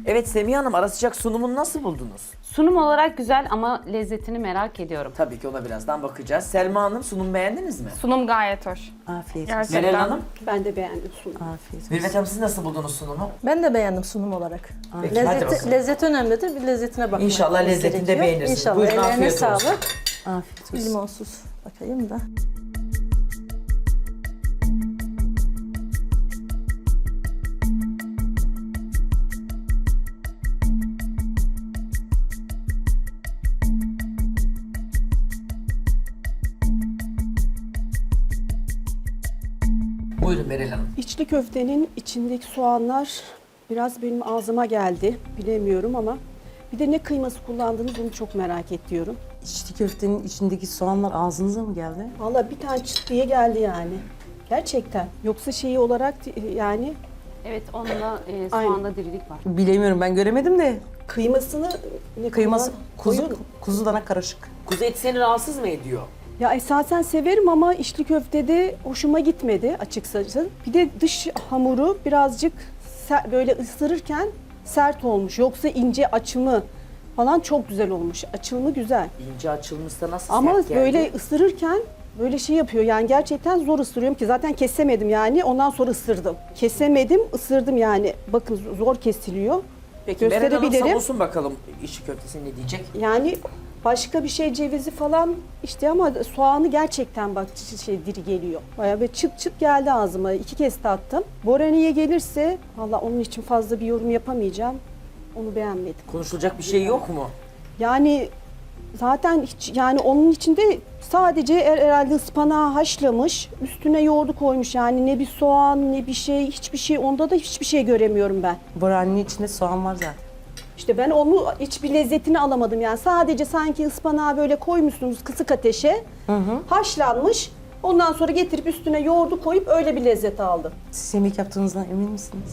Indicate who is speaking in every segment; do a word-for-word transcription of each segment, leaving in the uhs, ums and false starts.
Speaker 1: Evet Semiha Hanım, ara sıcak sunumunu nasıl buldunuz?
Speaker 2: Sunum olarak güzel ama lezzetini merak ediyorum.
Speaker 1: Tabii ki ona birazdan bakacağız. Selma Hanım, sunum beğendiniz mi?
Speaker 3: Sunum gayet hoş.
Speaker 4: Afiyet olsun.
Speaker 3: Gerçekten.
Speaker 1: Meral Hanım,
Speaker 5: Ben de beğendim sunumu.
Speaker 4: Afiyet olsun.
Speaker 1: Mürvet Hanım siz nasıl buldunuz sunumu?
Speaker 6: Ben de beğendim sunum olarak.
Speaker 1: Peki, hadi bakalım.
Speaker 6: Lezzeti, lezzet önemlidir. Bir lezzetine bakmak
Speaker 1: İnşallah lezzetini de
Speaker 6: gerekiyor.
Speaker 1: beğenirsiniz.
Speaker 6: İnşallah.
Speaker 1: Buyurun,
Speaker 6: Ellerine
Speaker 1: afiyet olsun.
Speaker 6: sağlık.
Speaker 4: Afiyet
Speaker 6: Bir
Speaker 4: olsun.
Speaker 6: limonsuz bakayım da.
Speaker 1: Buyurun Meral Hanım.
Speaker 5: İçli köftenin içindeki soğanlar biraz benim ağzıma geldi. Bilemiyorum ama bir de ne kıyması kullandınız bunu çok merak ediyorum.
Speaker 4: İçli köftenin içindeki soğanlar ağzınıza mı geldi?
Speaker 5: Vallahi bir tane çıt diye geldi yani. Gerçekten. Yoksa şeyi olarak yani
Speaker 2: Evet, onda e,
Speaker 5: Aynen.
Speaker 2: soğanda dirilik var.
Speaker 4: Bilemiyorum, ben göremedim de.
Speaker 5: kıymasını ne
Speaker 4: Kıyması
Speaker 5: kullan-
Speaker 4: kuzu,
Speaker 5: koyun.
Speaker 4: kuzu dana karışık.
Speaker 1: Kuzu eti seni rahatsız mı ediyor?
Speaker 5: Ya esasen severim ama içli köftede hoşuma gitmedi açıkçası. Bir de dış hamuru birazcık ser- böyle ısırırken sert olmuş. Yoksa ince açımı falan çok güzel olmuş. Açılımı güzel.
Speaker 1: İnce açılmışsa nasıl
Speaker 5: Ama
Speaker 1: sert geldi?
Speaker 5: böyle ısırırken böyle şey yapıyor yani gerçekten zor ısırıyorum ki zaten kesemedim yani ondan sonra ısırdım. Kesemedim ısırdım yani bakın zor kesiliyor.
Speaker 1: Peki Meral Hanım
Speaker 5: gösterebilirim.
Speaker 1: savunsun bakalım içli köftesi ne diyecek?
Speaker 5: Yani başka bir şey cevizi falan işte ama soğanı gerçekten bak şey diri geliyor. Bayağı böyle çıt çıt geldi ağzıma. İki kez tattım. Borani'ye gelirse valla onun için fazla bir yorum yapamayacağım. Onu beğenmedim.
Speaker 1: Konuşulacak bir şey yok mu?
Speaker 5: Yani zaten hiç yani onun içinde sadece er- herhalde ıspanağı haşlamış, üstüne yoğurdu koymuş yani ne bir soğan ne bir şey hiçbir şey onda da hiçbir şey göremiyorum ben.
Speaker 4: Boraninin içinde soğan var zaten.
Speaker 5: İşte ben onu hiçbir lezzetini alamadım yani sadece sanki ıspanağı böyle koymuşsunuz kısık ateşe haşlanmış ondan sonra getirip üstüne yoğurdu koyup öyle bir lezzet aldım.
Speaker 4: Siz yemek yaptığınızdan emin misiniz?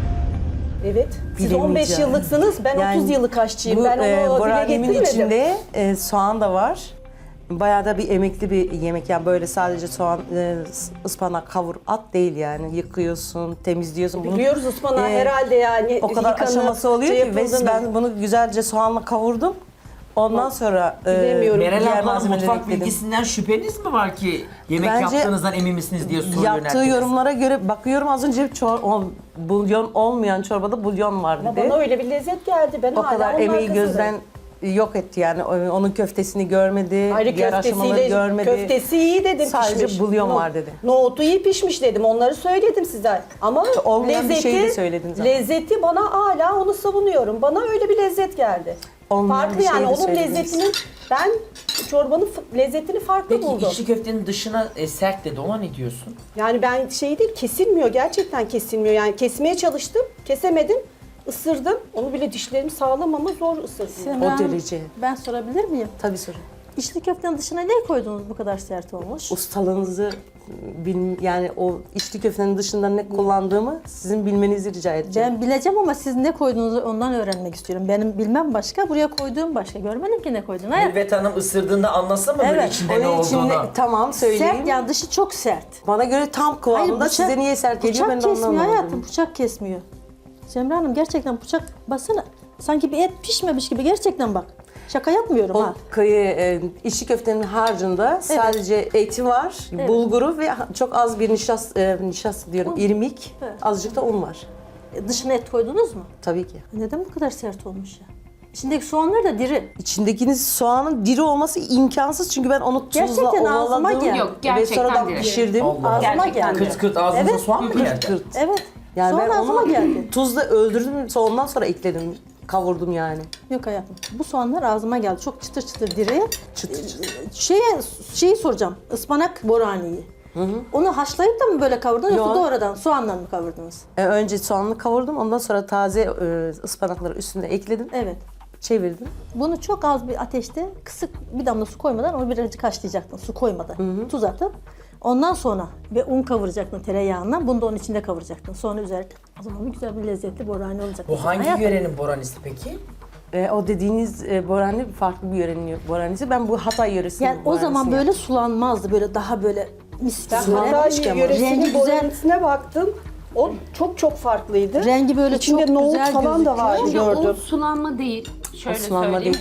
Speaker 5: Evet. Siz on beş
Speaker 4: Bilemeyeceğim.
Speaker 5: yıllıksınız ben
Speaker 4: Yani
Speaker 5: otuz yıllık aşçıyım
Speaker 4: Bu
Speaker 5: ben onu
Speaker 4: e,
Speaker 5: dile
Speaker 4: boranimin
Speaker 5: getirmedim.
Speaker 4: içinde e, soğan da var. Bayağı da bir emekli bir yemek yani böyle sadece soğan, e, ıspanak kavur at değil yani yıkıyorsun, temizliyorsun. Bunu,
Speaker 5: Biliyoruz ıspanağı
Speaker 4: e,
Speaker 5: herhalde yani.
Speaker 4: O kadar
Speaker 5: yıkanıp
Speaker 4: aşaması oluyor
Speaker 5: şey
Speaker 4: ki ve
Speaker 5: yapıldığını-
Speaker 4: ben bunu güzelce soğanla kavurdum. Ondan sonra e,
Speaker 5: Bilemiyorum.
Speaker 1: Meral
Speaker 4: diğer
Speaker 1: ablanın
Speaker 4: malzemeleri
Speaker 1: mutfak
Speaker 4: ekledim.
Speaker 1: bilgisinden şüpheniz mi var ki yemek
Speaker 4: Bence
Speaker 1: yaptığınızdan emin misiniz diye soru
Speaker 4: Yaptığı
Speaker 1: yönelttiniz?
Speaker 4: yorumlara göre bakıyorum az önce çor, o, bulyon olmayan çorbada bulyon var
Speaker 5: Ama
Speaker 4: dedi.
Speaker 5: bana öyle bir lezzet geldi. Ben
Speaker 4: O
Speaker 5: hala
Speaker 4: kadar
Speaker 5: onun
Speaker 4: emeği
Speaker 5: arkasındayım.
Speaker 4: gözden yok etti yani. O- Onun köftesini görmedi,
Speaker 5: Ayrı
Speaker 4: diğer aşamaları
Speaker 5: köftesiyle,
Speaker 4: görmedi.
Speaker 5: köftesi iyi dedim
Speaker 4: Sadece
Speaker 5: pişmiş.
Speaker 4: bulyon
Speaker 5: No-
Speaker 4: var dedi.
Speaker 5: Nohutu iyi pişmiş dedim. Onları söyledim size. Ama
Speaker 4: olmayan bir
Speaker 5: lezzeti,
Speaker 4: şeyi de söyledin zaten.
Speaker 5: lezzeti bana hala onu savunuyorum. Bana öyle bir lezzet geldi.
Speaker 4: Olmayan
Speaker 5: Farklı
Speaker 4: bir şey
Speaker 5: yani
Speaker 4: de
Speaker 5: onun
Speaker 4: söylediniz.
Speaker 5: lezzetini ben çorbanın f- lezzetini farklı
Speaker 1: Peki
Speaker 5: buldum.
Speaker 1: içli köftenin dışına e, sert dedi, ona ne diyorsun?
Speaker 5: Yani ben şey değil kesilmiyor gerçekten kesilmiyor. Yani kesmeye çalıştım kesemedim. Isırdım. Onu bile dişlerim sağlam ama zor ısırdım.
Speaker 6: Semra
Speaker 4: O
Speaker 6: Hanım,
Speaker 4: derece.
Speaker 6: Ben sorabilir miyim?
Speaker 4: Tabii sorun.
Speaker 6: İçli köftenin dışına ne koydunuz bu kadar sert olmuş?
Speaker 4: Ustalığınızı bil, yani o içli köftenin dışında ne kullandığımı sizin bilmenizi rica edeceğim.
Speaker 6: Ben bileceğim ama siz ne koyduğunuzu ondan öğrenmek istiyorum. Benim bilmem başka, buraya koyduğum başka. Görmedim ki ne koydun. Hayır.
Speaker 1: Mürvet Hanım ısırdığında anlasın mı böyle
Speaker 6: Evet,
Speaker 1: içinde ne
Speaker 4: Onun içinde
Speaker 1: olduğunu?
Speaker 4: tamam söyleyeyim.
Speaker 6: Sert yani dışı çok sert.
Speaker 4: Bana göre tam kıvamında size niye sert geliyor ben
Speaker 6: bıçak
Speaker 4: de ondan
Speaker 6: kesmiyor hayatım,
Speaker 4: anlamadım.
Speaker 6: bıçak kesmiyor. Semra Hanım gerçekten bıçak basana. Sanki bir et pişmemiş gibi gerçekten bak. Şaka yapmıyorum
Speaker 4: O
Speaker 6: ha.
Speaker 4: kıyı, e, içli köftenin harcında sadece eti var, bulguru ve çok az bir nişas, e, nişas diyorum, irmik,
Speaker 6: Evet.
Speaker 4: azıcık da un var.
Speaker 6: E, Dışına et koydunuz mu?
Speaker 4: Tabii ki.
Speaker 6: Neden bu kadar sert olmuş ya? İçindeki soğanlar da diri.
Speaker 4: İçindekiniz soğanın diri olması imkansız çünkü ben onu tuzla
Speaker 6: Gerçekten ağzıma
Speaker 4: ovaladım
Speaker 6: geldi.
Speaker 2: Yok,
Speaker 4: ve
Speaker 2: gerçekten
Speaker 4: sonradan
Speaker 2: diri.
Speaker 4: pişirdim.
Speaker 1: Allah.
Speaker 6: Ağzıma
Speaker 2: Gerçekten
Speaker 6: geldi.
Speaker 1: Kırt kırt ağzınıza
Speaker 6: Evet.
Speaker 1: soğan mı geldi?
Speaker 4: Kırt.
Speaker 6: Evet.
Speaker 4: Yani
Speaker 6: Soğan
Speaker 4: ben
Speaker 6: ağzıma
Speaker 4: onu
Speaker 6: geldi.
Speaker 4: tuzla öldürdüm, sonra ondan sonra ekledim, kavurdum yani.
Speaker 6: Yok hayatım. Bu soğanlar ağzıma geldi. Çok çıtır çıtır diri.
Speaker 4: Çıtır çıtır.
Speaker 6: Şeye, şeyi soracağım. Ispanak boraniyi. Onu haşlayıp da mı böyle kavurdunuz yoksa
Speaker 4: Yok.
Speaker 6: doğrudan soğanla mı kavurdunuz?
Speaker 4: E, önce soğanını kavurdum, ondan sonra taze e, ıspanakları üstüne ekledim,
Speaker 6: Evet.
Speaker 4: çevirdim.
Speaker 6: Bunu çok az bir ateşte kısık bir damla su koymadan onu birazcık haşlayacaktın su koymadan. Tuz atıp ondan sonra ve un kavuracaktın tereyağından. Bunu da onun içinde kavuracaktın. Sonra üzerine o zaman bir güzel bir lezzetli borani olacak.
Speaker 1: Bu hangi
Speaker 6: Hayatım,
Speaker 1: yörenin boranisi peki?
Speaker 4: E, o dediğiniz e, borani farklı bir yörenin boranisi. Ben bu Hatay yöresinin
Speaker 6: Yani o zaman
Speaker 4: boranisini
Speaker 6: böyle sulanmazdı. Böyle daha böyle mis gibi
Speaker 5: Ben
Speaker 6: böyle.
Speaker 5: Hatay
Speaker 6: Rengi
Speaker 5: yöresinin
Speaker 6: güzel.
Speaker 5: boranisine baktım. O çok çok farklıydı.
Speaker 6: Rengi böyle
Speaker 5: İçinde
Speaker 6: çok
Speaker 5: nohut
Speaker 6: güzel
Speaker 5: falan da
Speaker 6: gözüküyor.
Speaker 5: vardı
Speaker 2: Bence o
Speaker 5: gördüm.
Speaker 2: sulanma değil. Şöyle
Speaker 4: sulanma
Speaker 2: söyleyeyim.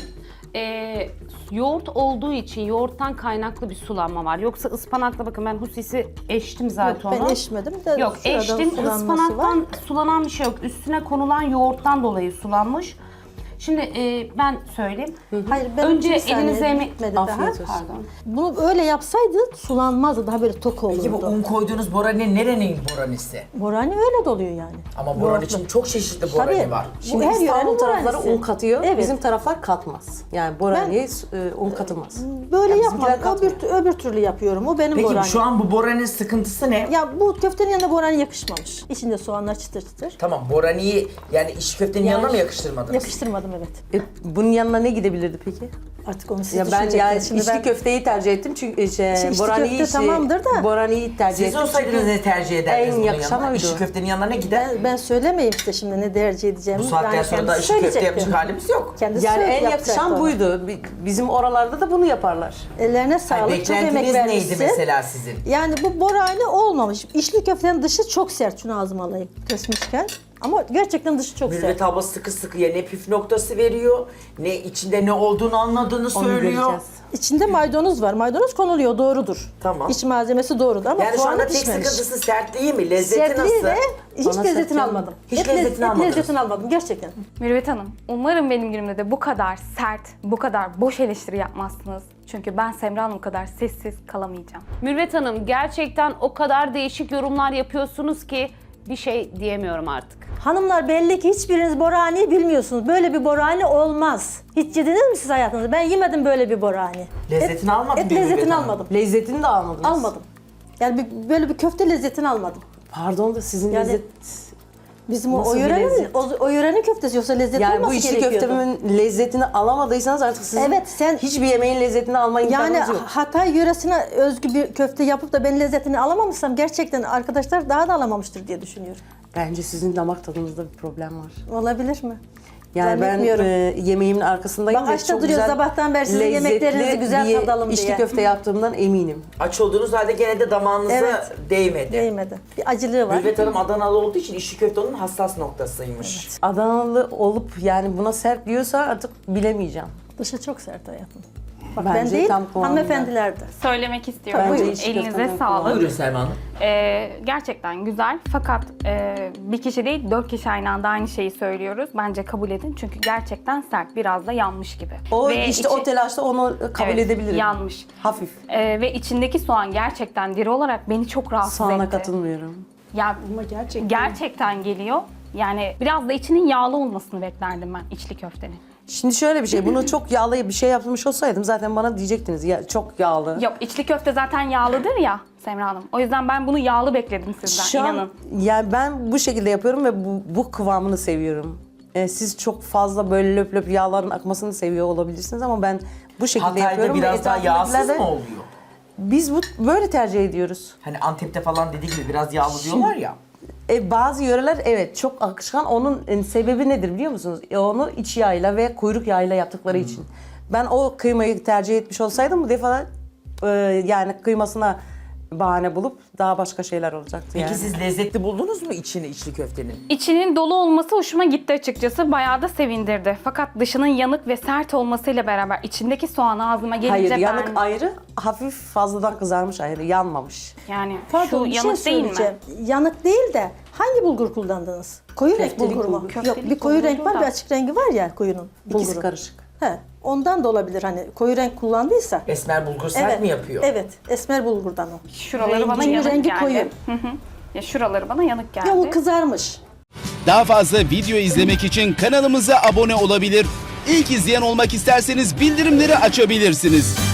Speaker 2: Ee, yoğurt olduğu için yoğurttan kaynaklı bir sulanma var. Yoksa ıspanakla bakın ben husisi eştim zaten
Speaker 6: Ben
Speaker 2: onu.
Speaker 6: eşmedim de
Speaker 2: Yok
Speaker 6: şurada
Speaker 2: eştim
Speaker 6: sulanması
Speaker 2: ıspanaktan
Speaker 6: var.
Speaker 2: sulanan bir şey yok. Üstüne konulan yoğurttan dolayı sulanmış. Şimdi e, ben söyleyeyim.
Speaker 6: Hayır, ben
Speaker 2: Önce
Speaker 6: bir saniye
Speaker 2: elinize yemek...
Speaker 6: bitmedi daha.
Speaker 4: Afiyet olsun.
Speaker 2: Pardon.
Speaker 6: Bunu öyle yapsaydı sulanmazdı. Daha böyle tok olurdu.
Speaker 1: Peki bu un koyduğunuz borani nerenin boranisi?
Speaker 6: Borani öyle doluyor yani.
Speaker 1: Ama borani
Speaker 6: Yoğurtlu.
Speaker 1: için çok çeşitli borani
Speaker 6: Tabii.
Speaker 1: var.
Speaker 6: Bu
Speaker 4: Şimdi
Speaker 6: her
Speaker 4: İstanbul
Speaker 6: yörenin
Speaker 4: tarafları
Speaker 6: boranisi.
Speaker 4: un katıyor,
Speaker 6: Evet.
Speaker 4: bizim taraflar katmaz. Yani boraniye e, un katılmaz.
Speaker 6: Böyle
Speaker 4: Ya
Speaker 6: yapmam.
Speaker 4: bizimkiler katmıyor.
Speaker 6: Öbür, öbür türlü yapıyorum. O benim
Speaker 1: Peki
Speaker 6: borani.
Speaker 1: şu an bu boraninin sıkıntısı ne?
Speaker 6: Ya bu köftenin yanında borani yakışmamış. İçinde soğanlar çıtır çıtır.
Speaker 1: Tamam boraniyi yani iş köftenin
Speaker 6: Yani-
Speaker 1: yanına mı yakıştırmadınız?
Speaker 6: Yakıştırmadım evet.
Speaker 4: E, bunun yanına ne gidebilirdi peki?
Speaker 6: Artık onu siz
Speaker 4: Ya ben yani
Speaker 6: düşüneceksiniz. Şimdi
Speaker 4: içli
Speaker 6: ben
Speaker 4: köfteyi tercih ettim çünkü şey,
Speaker 6: Şimdi içli
Speaker 4: boraniyi
Speaker 6: köfte tamamdır da-
Speaker 4: boraniyi tercih
Speaker 1: Siz
Speaker 4: ettim.
Speaker 1: olsaydınız
Speaker 4: çünkü
Speaker 1: ne tercih ederdiniz
Speaker 4: en
Speaker 1: bunun
Speaker 4: yakışan
Speaker 1: yanına?
Speaker 4: oydu.
Speaker 1: İşi köftenin yanına ne gider?
Speaker 6: ben, ben söylemeyeyim size şimdi ne tercih edeceğimi.
Speaker 1: Bu saatten
Speaker 6: Yani
Speaker 1: sonra da
Speaker 6: kendisi
Speaker 1: işi köfte
Speaker 6: söyleyecektir.
Speaker 1: yapacak halimiz yok.
Speaker 6: Kendisi
Speaker 4: Yani
Speaker 6: söyle-
Speaker 4: en
Speaker 6: yapacak
Speaker 4: yakışan
Speaker 6: onu.
Speaker 4: buydu. Bi- Bizim oralarda da bunu yaparlar.
Speaker 6: Ellerine
Speaker 1: Ay,
Speaker 6: sağlık, çok emek
Speaker 1: beklentiniz
Speaker 6: vermişsin.
Speaker 1: neydi mesela sizin?
Speaker 6: Yani bu borani olmamış. İçli köftenin dışı çok sert. Şunu ağzıma alayım kesmişken. Ama gerçekten dışı çok
Speaker 1: Mürvet
Speaker 6: sert.
Speaker 1: abla sıkı sıkıya ne püf noktası veriyor, ne içinde ne olduğunu anladığını
Speaker 4: Onu
Speaker 1: söylüyor.
Speaker 4: göreceğiz.
Speaker 6: İçinde maydanoz var. Maydanoz konuluyor, doğrudur.
Speaker 1: Tamam.
Speaker 6: İç malzemesi doğrudur ama
Speaker 1: Yani şu
Speaker 6: soğanı
Speaker 1: anda tek
Speaker 6: pişmemiş.
Speaker 1: sıkıntısı sertliği mi? Lezzeti
Speaker 6: Sertliği
Speaker 1: nasıl?
Speaker 6: ve hiç
Speaker 4: Bana
Speaker 6: lezzetini
Speaker 4: sert
Speaker 6: almadım.
Speaker 1: Hiç
Speaker 6: Et
Speaker 1: lezzetini
Speaker 6: lezzet- et
Speaker 1: almadınız.
Speaker 6: lezzetini almadım gerçekten.
Speaker 3: Mürvet Hanım, umarım benim günümde de bu kadar sert, bu kadar boş eleştiri yapmazsınız. Çünkü ben Semra Hanım kadar sessiz kalamayacağım.
Speaker 2: Mürvet Hanım gerçekten o kadar değişik yorumlar yapıyorsunuz ki bir şey diyemiyorum artık.
Speaker 6: Hanımlar belli ki hiçbiriniz borani bilmiyorsunuz. Böyle bir borani olmaz. Hiç yediniz mi siz hayatınızda? Ben yemedim böyle bir borani.
Speaker 1: Lezzetini
Speaker 6: et,
Speaker 1: almadın
Speaker 6: Et
Speaker 1: mı
Speaker 6: lezzetini
Speaker 1: Mürvet Hanım?
Speaker 6: almadım.
Speaker 4: Lezzetini de almadınız.
Speaker 6: Almadım. Yani bir, böyle bir köfte lezzetini almadım.
Speaker 4: Pardon da sizin
Speaker 6: Yani
Speaker 4: lezzet...
Speaker 6: Bizim o,
Speaker 4: Nasıl
Speaker 6: o
Speaker 4: bir
Speaker 6: yörenin,
Speaker 4: lezzet?
Speaker 6: o, o yörenin köftesi yoksa lezzet
Speaker 4: Yani
Speaker 6: olması
Speaker 4: bu içli
Speaker 6: gerekiyordu.
Speaker 4: köftemin lezzetini alamadıysanız artık sizin
Speaker 6: Evet, sen-
Speaker 4: hiçbir yemeğin lezzetini alma imkanınız
Speaker 6: Yani
Speaker 4: yok.
Speaker 6: Hatay yöresine özgü bir köfte yapıp da ben lezzetini alamamışsam gerçekten arkadaşlar daha da alamamıştır diye düşünüyorum.
Speaker 4: Bence sizin damak tadınızda bir problem var.
Speaker 6: Olabilir mi?
Speaker 4: Yani ben
Speaker 6: Zannetmiyorum.
Speaker 4: e, yemeğimin arkasındayım
Speaker 6: Bak
Speaker 4: ve
Speaker 6: açta
Speaker 4: çok
Speaker 6: duruyor
Speaker 4: güzel,
Speaker 6: sabahtan beri sizin
Speaker 4: lezzetli
Speaker 6: yemeklerinizi güzel
Speaker 4: bir
Speaker 6: tadalım
Speaker 4: içli
Speaker 6: diye.
Speaker 4: köfte yaptığımdan eminim.
Speaker 1: Aç olduğunuz halde gene de damağınıza
Speaker 6: Evet.
Speaker 1: değmedi.
Speaker 6: Değmedi. Bir acılığı var.
Speaker 1: Mürvet Hanım Adanalı olduğu için işi köfte onun hassas noktasıymış.
Speaker 4: Adanalı olup yani buna sert diyorsa artık bilemeyeceğim.
Speaker 6: Dışı çok sert hayatım. Bak
Speaker 4: Bence
Speaker 6: ben değil,
Speaker 4: tam kıvamında.
Speaker 6: hanımefendiler de.
Speaker 3: Söylemek istiyorum.
Speaker 4: Bence
Speaker 3: Buyurun,
Speaker 4: içli
Speaker 3: elinize
Speaker 4: köfteden
Speaker 3: sağlık.
Speaker 1: Buyurun Selma Hanım.
Speaker 3: Ee, gerçekten güzel fakat e, bir kişi değil dört kişi aynı anda aynı şeyi söylüyoruz. Bence kabul edin çünkü gerçekten sert, biraz da yanmış gibi.
Speaker 4: O
Speaker 3: Ve
Speaker 4: işte
Speaker 3: içi-
Speaker 4: o telaşta onu kabul
Speaker 3: Evet,
Speaker 4: edebilirim.
Speaker 3: yanmış.
Speaker 4: Hafif.
Speaker 3: Ee, ve içindeki soğan gerçekten diri olarak beni çok rahatsız
Speaker 4: Soğana
Speaker 3: etti.
Speaker 4: katılmıyorum.
Speaker 3: Ya
Speaker 5: Ama gerçekten.
Speaker 3: gerçekten geliyor. Yani biraz da içinin yağlı olmasını beklerdim ben içli köftenin.
Speaker 4: Şimdi şöyle bir şey, bunu çok yağlı bir şey yapmış olsaydım zaten bana diyecektiniz ya çok yağlı.
Speaker 3: Yok içli köfte zaten yağlıdır ya Semra Hanım. O yüzden ben bunu yağlı bekledim sizden
Speaker 4: Şu an
Speaker 3: inanın.
Speaker 4: yani ben bu şekilde yapıyorum ve bu, bu kıvamını seviyorum. Ee, siz çok fazla böyle löp löp yağların akmasını seviyor olabilirsiniz ama ben bu şekilde
Speaker 1: Hatay'da
Speaker 4: yapıyorum. ve
Speaker 1: biraz daha yağsız
Speaker 4: etrafındakiler de-
Speaker 1: mı oluyor?
Speaker 4: Biz bu böyle tercih ediyoruz.
Speaker 1: Hani Antep'te falan dediği gibi biraz yağlı diyorlar ya.
Speaker 4: E, bazı yöreler evet çok akışkan. Onun e, sebebi nedir biliyor musunuz? E, onu iç yağıyla ve kuyruk yağıyla yaptıkları
Speaker 1: Hmm.
Speaker 4: için. Ben o kıymayı tercih etmiş olsaydım bu defa e, yani kıymasına bahane bulup daha başka şeyler olacaktı
Speaker 1: Peki
Speaker 4: yani.
Speaker 1: siz lezzetli buldunuz mu içini içli köftenin?
Speaker 3: İçinin dolu olması hoşuma gitti açıkçası. Bayağı da sevindirdi. Fakat dışının yanık ve sert olmasıyla beraber içindeki soğan ağzıma gelince
Speaker 4: Hayır
Speaker 3: ben...
Speaker 4: yanık ayrı, hafif fazladan kızarmış ayrı, yanmamış.
Speaker 3: Yani
Speaker 6: Pardon
Speaker 3: şu
Speaker 6: bir şey
Speaker 3: yanık değil mi?
Speaker 6: söyleyeceğim. Yanık değil de hangi bulgur kullandınız? Koyu renk
Speaker 4: Köftelik
Speaker 6: bulgur mu?
Speaker 4: bulgur.
Speaker 6: Yok
Speaker 3: Köftelik
Speaker 6: bir koyu
Speaker 3: bulgur
Speaker 6: renk var
Speaker 3: da.
Speaker 6: bir açık rengi var ya koyunun.
Speaker 4: İkisi
Speaker 6: bulguru.
Speaker 4: karışık.
Speaker 6: He, ondan da olabilir hani koyu renk kullandıysa.
Speaker 1: Esmer bulgur sert
Speaker 6: evet,
Speaker 1: mi yapıyor?
Speaker 6: Evet, esmer bulgurdan o.
Speaker 3: Şuraları
Speaker 6: Rengi-
Speaker 3: bana
Speaker 6: çünkü
Speaker 3: yanık
Speaker 6: rengi
Speaker 3: geldi.
Speaker 6: koyu.
Speaker 3: Hı hı. Ya şuraları bana yanık geldi.
Speaker 6: Ya o kızarmış.
Speaker 7: Daha fazla video izlemek için kanalımıza abone olabilir. İlk izleyen olmak isterseniz bildirimleri açabilirsiniz.